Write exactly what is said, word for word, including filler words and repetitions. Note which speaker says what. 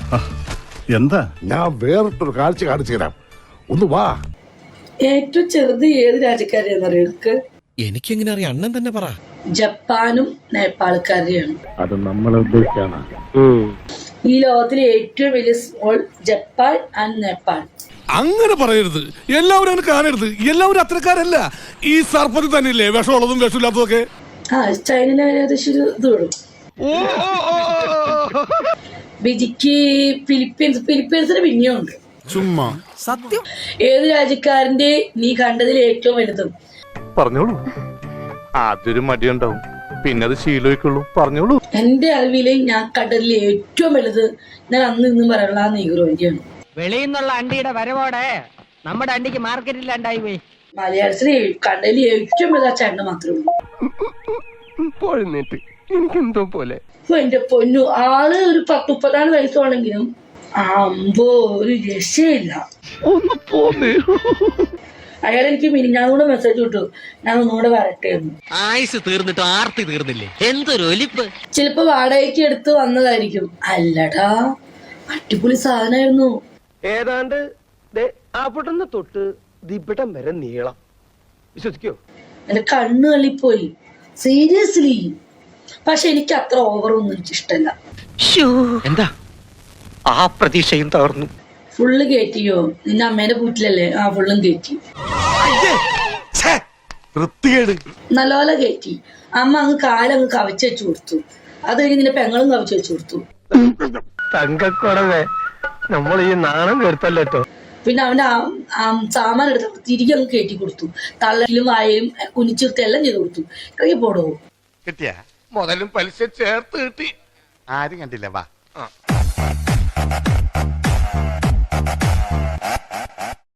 Speaker 1: എന്താ?
Speaker 2: ഞാൻ വേറിട്ടൊരു കാഴ്ച കാണിച്ചു തരാം, ഒന്ന് വാ.
Speaker 3: ഏറ്റവും ചെറുത് ഏത് രാജ്യക്കാരെയാണെന്നറിയോ?
Speaker 4: എനിക്കെങ്ങനെ അറിയാം? അണ്ണൻ തന്നെ പറ.
Speaker 3: ജപ്പാനും നേപ്പാൾക്കാരെയാണ്.
Speaker 2: അത് നമ്മളെ ഉദ്ദേശിച്ചാണ്.
Speaker 3: ഈ ലോകത്തിലെ ഏറ്റവും വലിയ സ്മോൾ ജപ്പാൻ ആൻഡ് നേപ്പാൾ.
Speaker 5: അങ്ങനെ പറയരുത്, എല്ലാവരും അങ്ങനെ കാണരുത്. എല്ലാവരും അത്രക്കാരല്ല. ഈ സർപ്പത്തിൽ തന്നെയില്ലേ വിഷമുള്ളതും വിഷമില്ലാത്തതും ഒക്കെ.
Speaker 3: ആ ചൈനയിലെ ഏകദേശം ഒരു ഇത് വിടും. ബിജിക്ക് ഫിലിപ്പീൻസ് ഫിലിപ്പീൻസിന് പിന്നെയും ഉണ്ട്.
Speaker 5: ചുമ്മാ
Speaker 4: സത്യം.
Speaker 3: ഏത് രാജ്യക്കാരന്റെ നീ കണ്ടതിൽ ഏറ്റവും വലുതും?
Speaker 6: പറഞ്ഞോളൂ. ആദ്യൊരു മടിയുണ്ടാവും, പിന്നെ അത് ശീലമായിക്കുള്ളൂ. പറഞ്ഞോളൂ.
Speaker 3: എന്റെ അറിവില് ഞാൻ കണ്ടതിൽ ഏറ്റവും വലുത് ഞാൻ അന്ന് ഇന്നും പറയാനുള്ള ആ നെയ്ഗ്രോന്റെയാണ്.
Speaker 7: വെളിയിൽ നിന്നുള്ള അണ്ടിയുടെ വരവോടെ നമ്മുടെ അണ്ടിക്ക് മാർക്കറ്റില്ലാണ്ടായി പോയി.
Speaker 3: മലയാളത്തില് കണ്ടതിൽ ഏറ്റവും വലുത് ആ ചേട്ടന് മാത്രമേ ഉള്ളൂ.
Speaker 6: എനിക്കെന്തോ പോലെ.
Speaker 3: അപ്പൊ എന്റെ പൊന്നു, ആള് ഒരു പത്ത് മുപ്പതാറ് വയസ്സാണെങ്കിലും അമ്പോ ഒരു രക്ഷയില്ല.
Speaker 6: ഒന്ന് പോന്നേ.
Speaker 3: അയാൾ എനിക്ക് മിനിഞ്ഞാന്നൂടെ മെസ്സേജ് വിട്ടു, ഞാൻ ഒന്നുകൂടെ വരട്ടെ എന്ന്.
Speaker 4: ആയുസ് തീർന്നിട്ട് ആർത്തി തീർന്നില്ലേ? എന്തൊരു ഒലിപ്പ്.
Speaker 3: ചിലപ്പോ വാടകയ്ക്ക് എടുത്ത് വന്നതായിരിക്കും. അല്ലടാ, അടിപൊളി സാധനമായിരുന്നു.
Speaker 8: ഏതാണ്ട് അവിടുന്ന് തൊട്ട് ദിപിടം വരെ നീളം. വിശ്വസിക്കോ?
Speaker 3: എന്റെ കണ്ണ് തള്ളിപ്പോയി, സീരിയസ്ലി. പക്ഷെ എനിക്ക് അത്ര ഓവറൊന്നും എനിക്ക് ഇഷ്ടല്ല.
Speaker 8: എന്താ ആ പ്രതീക്ഷയും തകർന്നു.
Speaker 3: ഫുള്ള് കയറ്റിയോ? നിന്റെ അമ്മേന്റെ വീട്ടിലല്ലേ? ആ ഫുള്ളും കയറ്റി, നല്ലപോലെ കയറ്റി. അമ്മ അങ്ങ് കാലങ്ങ് കവച്ച് വെച്ചു കൊടുത്തു. അത് കഴിഞ്ഞ് നിന്റെ പെങ്ങളും കവച്ച് വെച്ചു കൊടുത്തു.
Speaker 8: തങ്കക്കുറവേ, നമ്മൾ ഈ നാണം കേട്ടല്ലോ.
Speaker 3: പിന്നെ അവന്റെ സാമാൻ എടുത്ത് തിരികെ അങ്ങ് കയറ്റി കൊടുത്തു. തള്ളയിലും വായയും കുനിച്ചിർത്തി എല്ലാം ചെയ്ത് കൊടുത്തു. കൈ പോടോ
Speaker 6: കിട്ടിയ മുതലും പലിശ ചേർത്ത് കിട്ടി. ആരും കണ്ടില്ല. വാ.